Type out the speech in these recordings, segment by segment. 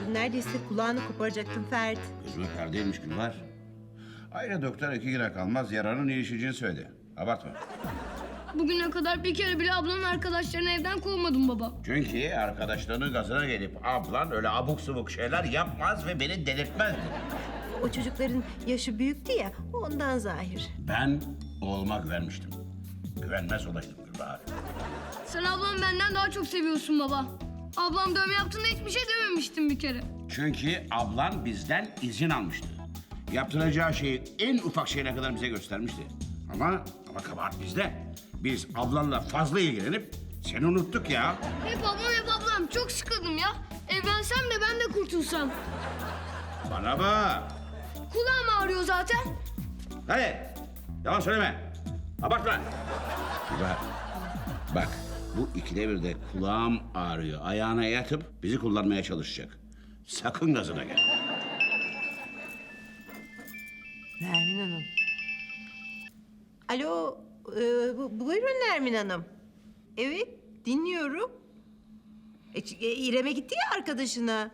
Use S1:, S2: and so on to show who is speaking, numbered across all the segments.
S1: diyordun. Neredeyse kulağını koparacaktın Ferdi.
S2: Gözüme perdeymiş Gülvar. Ayrıca doktor 2 güne kalmaz yararın iyileşeceğini söyledi. Abartma.
S3: Bugüne kadar bir kere bile ablanın arkadaşlarını evden kovmadım baba.
S2: Çünkü arkadaşlarının gazına gelip ablan öyle abuk subuk şeyler yapmaz ve beni delirtmezdi.
S1: O çocukların yaşı büyüktü ya, ondan zahir.
S2: Ben oğluma güvenmiştim. Güvenmez olaydım Gülbahar.
S3: Sen ablamı benden daha çok seviyorsun baba. Ablam dövme yaptığında hiçbir şey dememiştim bir kere.
S2: Çünkü ablan bizden izin almıştı. Yaptıracağı şeyi en ufak şeyine kadar bize göstermişti. Ama kabahat bizde. Biz ablanla fazla ilgilenip seni unuttuk ya.
S3: Hep ablam. Çok sıkıldım ya. Evlensem de ben de kurtulsam.
S2: Bana bak.
S3: Kulağım ağrıyor zaten.
S2: Hadi. Yalan söyleme. Abartma. Gülbahar. Bak bu ikide bir de kulağım ağrıyor. Ayağına yatıp bizi kullanmaya çalışacak. Sakın gazına gel.
S1: Nermin Hanım. Alo, buyurun Nermin Hanım. Evet, dinliyorum. İrem'e gitti ya arkadaşına.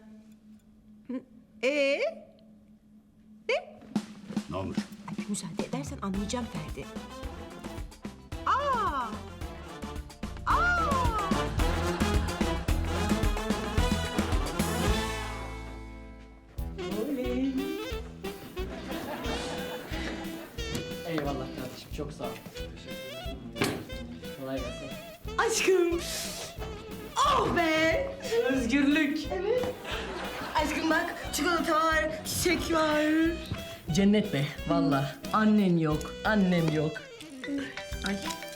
S1: Ne?
S2: Ne olmuş?
S1: Ay, müsaade edersen anlayacağım Ferdi. Aa!
S4: Eyvallah kardeşim, çok sağ ol. Kolay gelsin.
S1: Aşkım! Oh be!
S4: Özgürlük.
S1: Aşkım bak, çikolata var, çiçek var.
S4: Cennet be, vallahi annen yok, annem yok.
S1: Ay.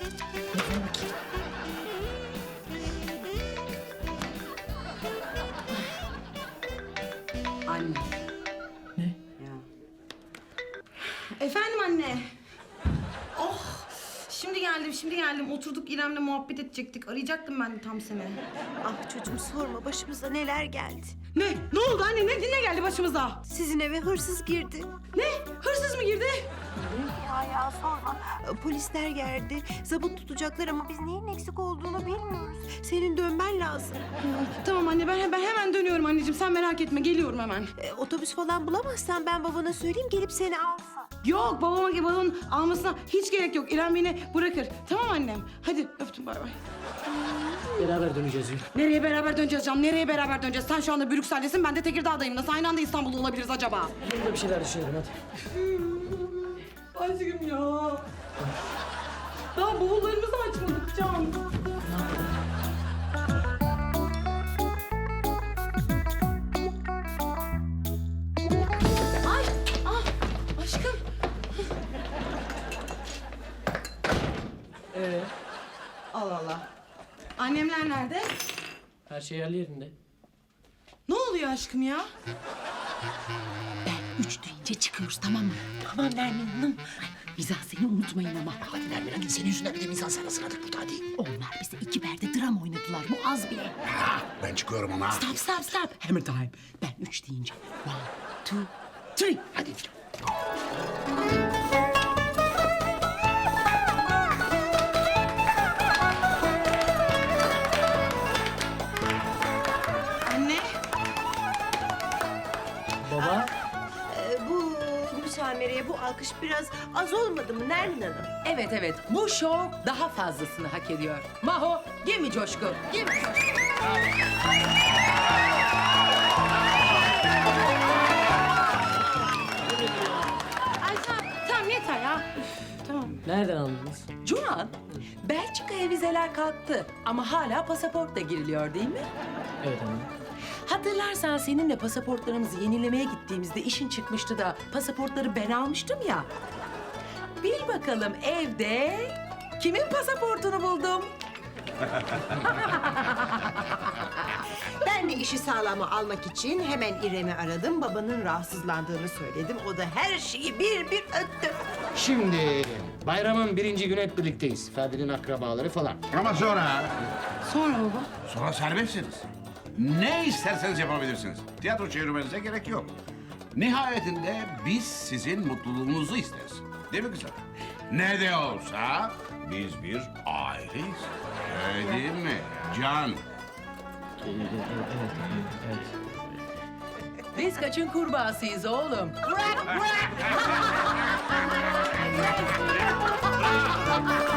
S5: Anne.
S4: Ne?
S5: Ya. Efendim anne. Oh, şimdi geldim. Oturduk İrem'le muhabbet edecektik. Arayacaktım ben de tam seni.
S1: Ah çocuğum sorma, başımıza neler geldi.
S5: Ne? Ne oldu anne? Ne geldi başımıza?
S1: Sizin eve hırsız girdi.
S5: Ne? Hırsız mı girdi?
S1: Ya sorma. Polisler geldi. Zabıt tutacaklar ama biz neyin eksik olduğunu bilmiyoruz. Senin dönmen lazım.
S5: Tamam anne, ben hemen dönüyorum anneciğim. Sen merak etme, geliyorum hemen.
S1: Otobüs falan bulamazsan ben babana söyleyeyim, gelip seni alsın.
S5: Yok, babamın almasına hiç gerek yok. İrem beni bırakır. Tamam annem. Hadi öptüm, bay bay.
S4: Beraber döneceğiz yürü.
S5: Nereye beraber döneceğiz Can? Nereye beraber döneceğiz? Sen şu anda Brüksel'desin, ben de Tekirdağ'dayım. Nasıl aynı anda İstanbul'da olabiliriz acaba?
S4: Burada bir şeyler düşünelim hadi.
S5: Aşkım ya. Daha bavullarımızı açmadık Can. Ay, aşkım. Allah Allah. Annemler nerede?
S4: Her şey yerli yerinde.
S5: Ne oluyor aşkım ya?
S6: Üç deyince çıkıyoruz, tamam mı? Tamam Nermin Hanım. Mizah seni unutmayın ama. Hadi Nermin Hanım, senin yüzünden bir de mizah sana sıradık burada, hadi. Onlar bize 2 berde dram oynadılar, bu az bile.
S2: Ben çıkıyorum ama.
S6: Stop. Hammer time. Ben 3 deyince 1, 2, 3. Hadi.
S5: Anne.
S4: Baba.
S1: Bu müsamereye, bu alkış biraz az olmadı mı Nermin Hanım?
S6: Evet. Bu şov daha fazlasını hak ediyor. Maho, gemi coşku. Gemi coşku.
S5: Ay tamam yeter ya. Üf, tamam.
S4: Nereden anladınız?
S6: Cunan, Belçika'ya vizeler kalktı ama hala pasaportla giriliyor değil mi?
S4: Evet anne.
S6: Hatırlarsan seninle pasaportlarımızı yenilemeye gittiğimizde işin çıkmıştı da pasaportları ben almıştım ya. Bil bakalım evde kimin pasaportunu buldum?
S1: Ben de işi sağlama almak için hemen İrem'i aradım. Babanın rahatsızlandığını söyledim. O da her şeyi bir öttü.
S7: Şimdi bayramın 1. günü hep birlikteyiz. Ferdi'nin akrabaları falan.
S2: Ama sonra...
S5: Sonra baba.
S2: Sonra serbestsiniz. Ne isterseniz yapabilirsiniz. Tiyatro çevirmenize gerek yok. Nihayetinde biz sizin mutluluğunuzu isteriz. Değil mi kızım? Ne de olsa biz bir aileyiz. Öyle değil mi Can?
S4: Evet.
S6: Biz kaçın kurbağasıyız oğlum.
S1: Bırak, bırak.